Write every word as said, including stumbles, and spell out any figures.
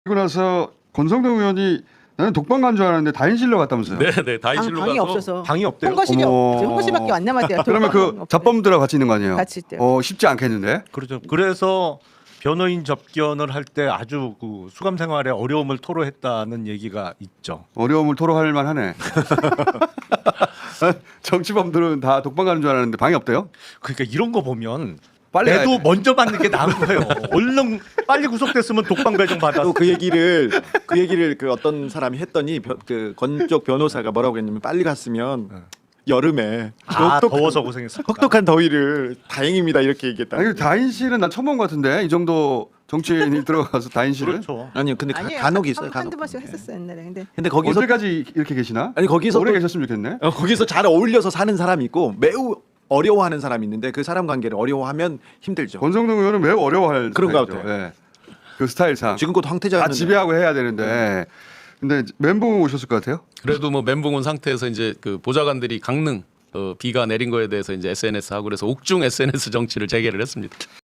그리고 나서 권성동 의원이 나는 독방 간 줄 알았는데 다인실로 갔다면서요. 네네 다인실로 방, 방이 가서 없어서 방이 없대요. 홍거실이 어머. 없죠. 홍거실밖에 안 남았대요. 그러면 그 잡범들하고 같이 있는 거 아니에요? 같이 있대요. 어 쉽지 않겠는데. 그렇죠. 그래서 변호인 접견을 할 때 아주 그 수감 생활에 어려움을 토로했다는 얘기가 있죠. 어려움을 토로할 만하네. 정치범들은 다 독방 가는 줄 알았는데 방이 없대요? 그러니까 이런 거 보면 빨리 가야 내도 돼. 먼저 받는 게 나은 거예요. 얼른 빨리 구속됐으면 독방 배정 받았어. 또 그 얘기를 그 얘기를 그 어떤 사람이 했더니 변- 그 건쪽 변호사가 뭐라고 했냐면 빨리 갔으면 여름에 아, 혹독- 더워서 고생했어. 혹독한 더위를 다행입니다 이렇게 얘기했다. 아니 다인실은 난 처음 본 것 같은데 이 정도 정치인이 들어가서 다인실을 그렇죠. 아니요, 근데 가, 아니에요. 간혹 한- 있어요. 한- 간혹. 한두 번씩 했었어요 옛날에. 근데 근데 거기서 언제까지 이렇게 계시나? 아니 거기서 오래 또- 계셨으면 좋겠네. 어, 거기서 잘 어울려서 사는 사람이 있고 매우 어려워하는 사람이 있는데 그 사람 관계를 어려워하면 힘들죠. 권성동 의원은 매우 어려워할 그런 것 스타일이죠. 같아요. 예. 그 스타일상 지금껏 황태자 다 지배하고 해야 되는데 근데 멘붕 오셨을 것 같아요. 그래도 뭐 멘붕 온 상태에서 이제 그 보좌관들이 강릉 어, 비가 내린 거에 대해서 이제 에스엔에스 하고 그래서 옥중 에스엔에스 정치를 재개를 했습니다.